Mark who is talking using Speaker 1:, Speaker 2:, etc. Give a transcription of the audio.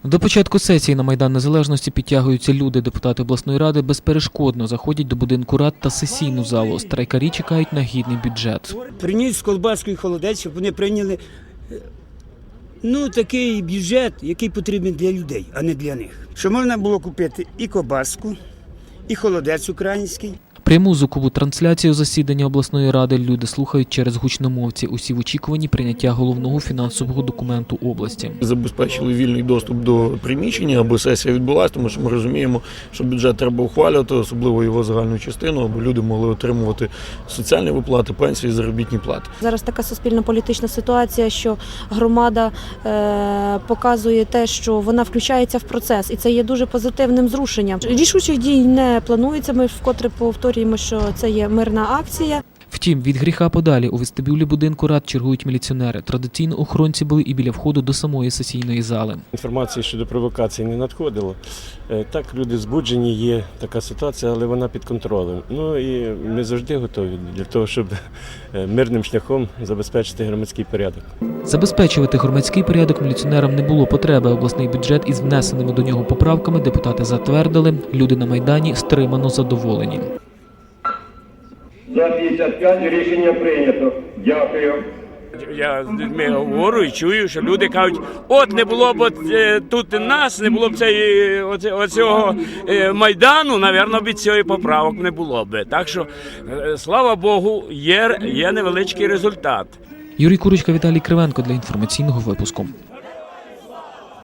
Speaker 1: До початку сесії на Майдан Незалежності підтягуються люди. Депутати обласної ради безперешкодно заходять до будинку рад та сесійну залу. Страйкарі чекають на гідний бюджет.
Speaker 2: Приніс колбаску і холодець, щоб вони прийняли такий бюджет, який потрібен для людей, а не для них. Щоб можна було купити і колбаску, і холодець український.
Speaker 1: Пряму звукову трансляцію засідання обласної ради люди слухають через гучномовці. Усі в очікуванні прийняття головного фінансового документу області.
Speaker 3: Забезпечили вільний доступ до приміщення, аби сесія відбулася, тому що ми розуміємо, що бюджет треба ухвалювати, особливо його загальну частину, аби люди могли отримувати соціальні виплати, пенсії, заробітні плати.
Speaker 4: Зараз така суспільно-політична ситуація, що громада показує те, що вона включається в процес, і це є дуже позитивним зрушенням. Рішучих дій не планується, ми вкотре повторюємо, що це є мирна акція.
Speaker 1: Втім, від гріха подалі у вестибюлі будинку рад чергують міліціонери. Традиційно охоронці були і біля входу до самої сесійної зали.
Speaker 5: Інформації щодо провокацій не надходило. Так, люди збуджені, є така ситуація, але вона під контролем. І ми завжди готові для того, щоб мирним шляхом забезпечити громадський порядок.
Speaker 1: Забезпечувати громадський порядок міліціонерам не було потреби. Обласний бюджет із внесеними до нього поправками депутати затвердили. Люди на Майдані стримано задоволені.
Speaker 6: За 55 рішення прийнято. Дякую.
Speaker 7: Я з людьми говорю і чую, що люди кажуть, от не було б тут нас, не було б оцього Майдану, напевно, б цієї поправок не було б. Так що, слава Богу, є невеличкий результат.
Speaker 1: Юрій Курочка, Віталій Кривенко для інформаційного випуску.